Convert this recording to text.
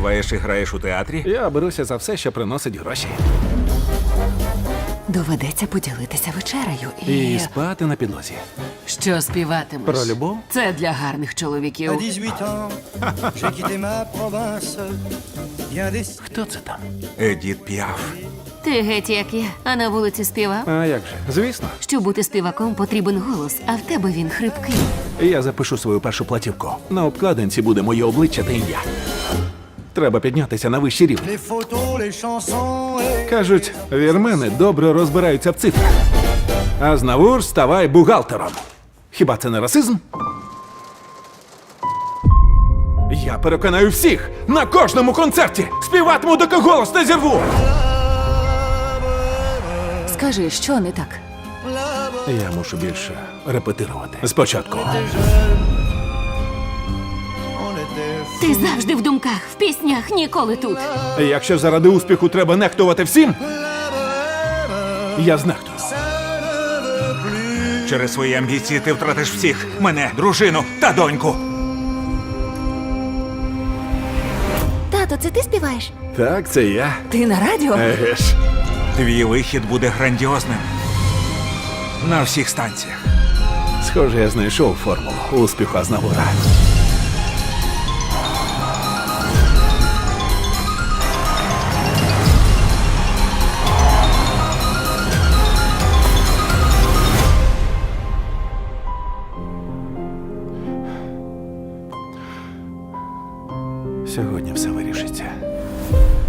співаєш і граєш у театрі? Я беруся за все, що приносить гроші. Доведеться поділитися вечерею І спати на підлозі. Що співатимеш? Про любов? Це для гарних чоловіків. À 18 ans, j'ai quitté ma province. Bien des... Хто це там? Едіт Піаф. Ти геть як я, а на вулиці співав. А як же? Звісно. Щоб бути співаком, потрібен голос, а в тебе він хрипкий. Я запишу свою першу платівку. На обкладинці буде моє обличчя та ім'я. Треба піднятися на вищий рівень. Les photos, les chansons et... Кажуть, вірмени добре розбираються в цифрах. А знавур ставай бухгалтером. Хіба це не расизм? Я переконаю всіх на кожному концерті. Співатиму, доки голос не зірву. Скажи, що не так? Я мушу більше репетирувати. Спочатку. On était... Ти завжди в думках, в піснях, ніколи тут. Якщо заради успіху треба нехтувати всім, я знехтую. Через свої амбіції ти втратиш всіх. Мене, дружину та доньку. Тато, це ти співаєш? Так, це я. Ти на радіо? Еге ж. Твій вихід буде грандіозним. На всіх станціях. Схоже, я знайшов формулу успіху Азнавура. Сьогодні все вирішиться.